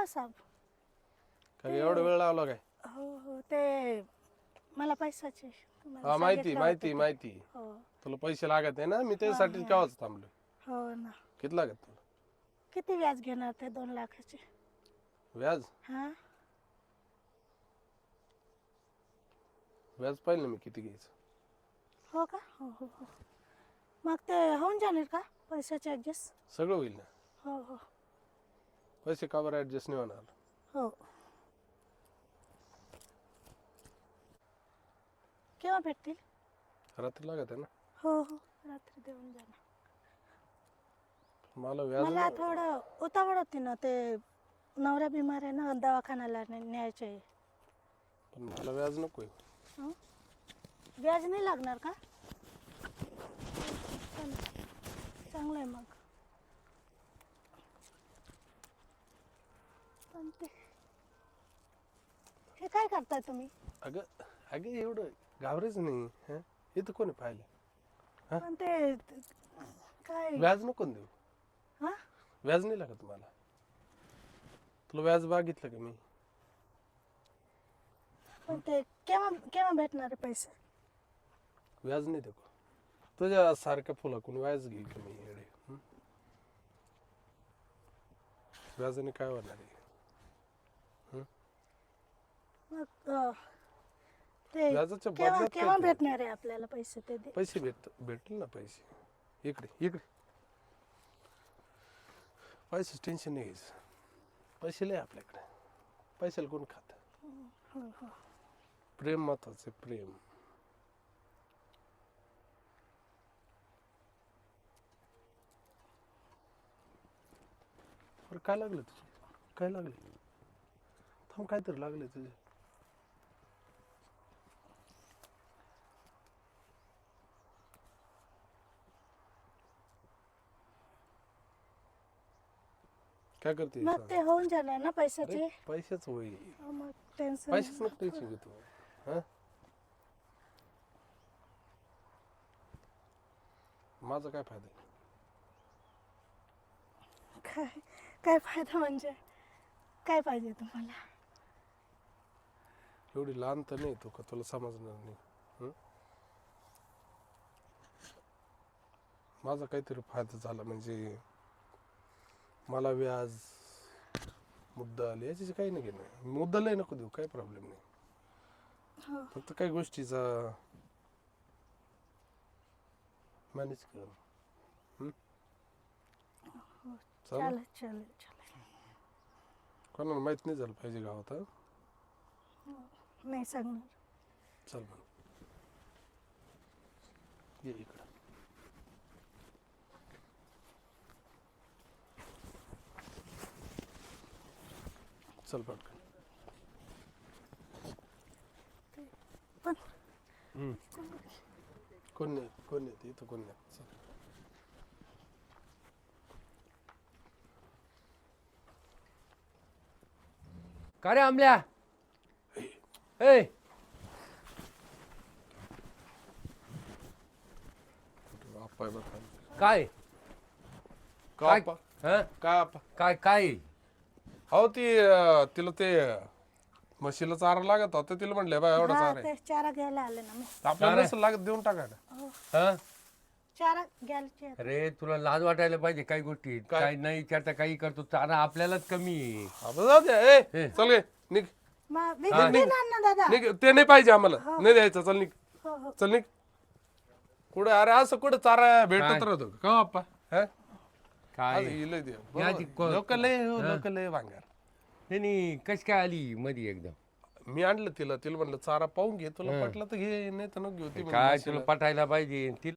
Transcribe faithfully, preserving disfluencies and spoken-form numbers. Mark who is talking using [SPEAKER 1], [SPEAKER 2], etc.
[SPEAKER 1] हा साहेब.
[SPEAKER 2] काय एवढा वेळ लावला काय?
[SPEAKER 1] हो हो ते मला पैशाचे तुम्हाला
[SPEAKER 2] हा माहिती
[SPEAKER 1] सांगितलं
[SPEAKER 2] माहिती
[SPEAKER 1] होतं ते.
[SPEAKER 2] माहिती
[SPEAKER 1] हो
[SPEAKER 2] तुला पैसे लागत आहे ना, मी त्यासाठी केव्हाच थांबलो.
[SPEAKER 1] हो ना.
[SPEAKER 2] किती लागत तुला
[SPEAKER 1] किती व्याज घेणार ते दोन लाखाचे?
[SPEAKER 2] व्याज?
[SPEAKER 1] हा
[SPEAKER 2] व्याज पाहिलं मी किती घ्यायचं.
[SPEAKER 1] हो का? हो हो हो. मग ते होऊन जाणार का पैशाचे ॲडजस्ट?
[SPEAKER 2] सगळं होईल ना.
[SPEAKER 1] हो हो
[SPEAKER 2] पैसे का बरं ऍडजस्ट नाही होणार?
[SPEAKER 1] हो. केव्हा भेटतील?
[SPEAKER 2] रात्री लागत आहे ना.
[SPEAKER 1] हो हो रात्री देऊन जाणार.
[SPEAKER 2] मला व्याज
[SPEAKER 1] मला थोडं उतावळ होती ना, ते नवरा बिमार आहे ना, दवाखान्याला ने- न्यायचे आहे.
[SPEAKER 2] पण मला व्याज नकोय.
[SPEAKER 1] हं? व्याज नाही लागणार का? चालेल. चांगलं आहे मग. पण ते हे काय करताय तुम्ही?
[SPEAKER 2] अगं अगं एवढं घाबरायच नाही. हं? इथं कोणी पाहिलं? हा?
[SPEAKER 1] पण ते ते- काय
[SPEAKER 2] व्याज नको ना देऊ.
[SPEAKER 1] हा
[SPEAKER 2] व्याज नाही लागत मला. तुला व्याज मागितलं का मी?
[SPEAKER 1] पण ते केव्हा केव्हा भेटणार आहे पैसे?
[SPEAKER 2] व्याज नाही देऊ. तुझ्या सारख्या फुलाकून व्याज घेईल का मी येडे? हं? व्याजाने काय होणार आहे?
[SPEAKER 1] मग अं, ते
[SPEAKER 2] व्याजाच्या
[SPEAKER 1] केव्हा
[SPEAKER 2] बदल्यात
[SPEAKER 1] केव्हा
[SPEAKER 2] काय
[SPEAKER 1] भेटणार आहे आपल्याला पैसे ते दे.
[SPEAKER 2] पैसे भेट भेटतील ना पैसे. इकडे इकडे पैसे टेन्शन नाही घ्यायचं. पैसे लय आपल्याकडे. पैशाला कोण खात?
[SPEAKER 1] हो हो
[SPEAKER 2] प्रेम महत्वाचं आहे, प्रेम. बरं काय लागलं तुझे? काय लागले? थांब काहीतरी लागले तुझे. काय करते?
[SPEAKER 1] मग ते होऊन जाणार ना पैशाचे?
[SPEAKER 2] पैशाच होईल.
[SPEAKER 1] हो, मग टेन्शन
[SPEAKER 2] पैशाच नको टेन्शन घेतो. हा माझा काय फायदा आहे?
[SPEAKER 1] काय काय फायदा म्हणजे काय पाहिजे तुम्हाला?
[SPEAKER 2] एवढी लहान तर नाही तू का तुला समजणार नाही. हं? माझा काहीतरी फायदा झाला म्हणजे मला व्याज मुद्दल याची काही नाही घेणं. मुद्दलही नको देऊ, काही प्रॉब्लेम नाही.
[SPEAKER 1] हो
[SPEAKER 2] फक्त काही गोष्टीचा मॅनेज कर. हं? चालेल?
[SPEAKER 1] चालेल चालेल चालेल.
[SPEAKER 2] कोणाला माहित नाही झालं पाहिजे गावात. हं?
[SPEAKER 1] नाही सांगणार.
[SPEAKER 2] चल मग ये इकडं. चल पटकन.
[SPEAKER 1] पण
[SPEAKER 2] हं. कोण नाही कोण नाही इथं कोण नाही. चल.
[SPEAKER 3] का रे आमल्या? ए
[SPEAKER 2] आप्पा आहे बघा.
[SPEAKER 3] काय
[SPEAKER 2] का
[SPEAKER 3] काय
[SPEAKER 2] आप्पा?
[SPEAKER 3] हं?
[SPEAKER 2] का आप्पा?
[SPEAKER 3] काय काय
[SPEAKER 2] हो ती अं, तिला ते म्हशीला चारा लागत होता. तिला म्हणले बा एवढा
[SPEAKER 1] हा
[SPEAKER 2] चारा आहे.
[SPEAKER 1] ते चारा घ्यायला आले ना मी.
[SPEAKER 2] आपल्याला
[SPEAKER 3] चारा?
[SPEAKER 2] नसेल लागत देऊन टाका ना.
[SPEAKER 3] हं?
[SPEAKER 1] चारा घ्यायचे आहेत.
[SPEAKER 3] अरे तुला लाज वाटायला पाहिजे काही गोष्टी.
[SPEAKER 2] काय?
[SPEAKER 3] काय नाही विचारता काही करतो चारा आपल्यालाच कमी आहे.
[SPEAKER 2] आपण जाऊ दे. ए,
[SPEAKER 3] हे.
[SPEAKER 2] चल गे निघ
[SPEAKER 1] मग मी देणार ना दादा.
[SPEAKER 2] निघ. ते नाही पाहिजे आम्हाला. नाही द्यायचं. चल निघ.
[SPEAKER 1] हो हो
[SPEAKER 2] चल निघ. कुठं अरे असं कुठं चारा भेटत
[SPEAKER 3] काय?
[SPEAKER 2] राहतो का हो आप्पा? हं?
[SPEAKER 3] काय
[SPEAKER 2] आज हिला दे.
[SPEAKER 3] या ती को-
[SPEAKER 2] लोक लय लोक लय भांगार.
[SPEAKER 3] त्यांनी कशी काय आली मध्ये एकदम?
[SPEAKER 2] मी आणलं तिला तिला म्हणलं चारा पाहून घे तुला पटलं तर घे नाही तर नको घेऊ. ती म्हणली
[SPEAKER 3] काय
[SPEAKER 2] म्हशीला.
[SPEAKER 3] तुला पटायला पाहिजे ती